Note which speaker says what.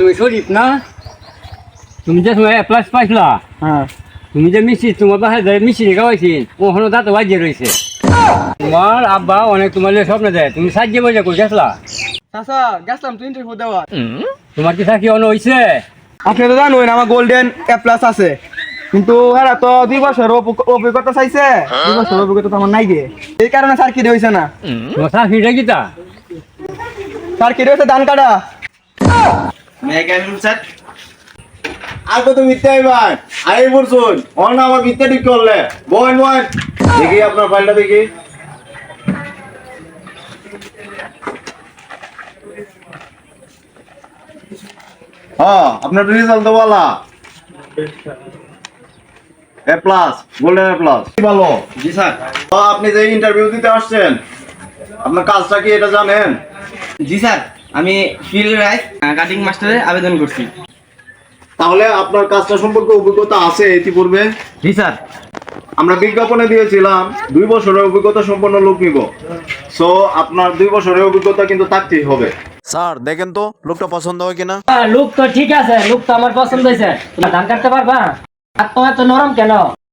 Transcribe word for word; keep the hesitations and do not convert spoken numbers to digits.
Speaker 1: তুমি শরীফ না? তুমি যে সময় প্লাস পাইছিলা,
Speaker 2: হ্যাঁ
Speaker 1: তুমি যে মিষ্টি তোমার বাসায় যে মিষ্টি খাওয়াইছি ওখানে দাঁত বাজিয়ে রয়েছে। তোমার আব্বা অনেক তোমার স্বপ্ন দেয়, তুমি সাজিয়ে বসে কই গেছলা?
Speaker 2: চাচা গেছিলাম তো ইন্টারভিউ দেওয়া।
Speaker 1: তোমার কি চাকরি অন হয়েছে?
Speaker 2: আপনি তো জানেন আমার গোল্ডেন এ প্লাস আছে, কিন্তু এরা তো দুই বছর অভি- অভিজ্ঞতা চাইছে। দুই বছর অভিজ্ঞতা তো আমার নাই গে, এই কারণে স্যার কি হয়েছে না।
Speaker 1: তোমার চাকরিটা কি তা?
Speaker 2: স্যার কি হয়েছে ধান কাটা।
Speaker 3: আর কত মিথ্যা এবার আই বলছুন অন আমার মিথ্যা ঠিক করলে বয়েন বয়েন দেখি আপনার ফাইলটা দেখি। হ্যাঁ আপনার রেজাল্ট তো বলা A plus golden A plus ভালো।
Speaker 2: জি স্যার।
Speaker 3: তো আপনি যে ইন্টারভিউ দিতে আসছেন আপনার কাজটা কি এটা জানেন?
Speaker 2: জি স্যার, আমি ফিল্ড রাইস কাটিং মাস্টারে আবেদন করছি।
Speaker 3: তাহলে আপনার কাজটা সম্পর্কে অভিজ্ঞতা আছে ইতিপূর্বে?
Speaker 2: জি স্যার।
Speaker 3: আমরা বিজ্ঞাপনে দিয়েছিলাম দুই বছরের অভিজ্ঞতা সম্পন্ন লোক নিব, সো আপনার দুই বছরের অভিজ্ঞতা কিন্তু থাকতেই হবে।
Speaker 4: স্যার দেখেন তো লোকটা পছন্দ হয় কিনা।
Speaker 5: লুক তো ঠিক আছে, লুক তো আমার পছন্দ হয়েছে। তুমি ধান কাটতে পারবা? আর তোমার তো নরম কেন?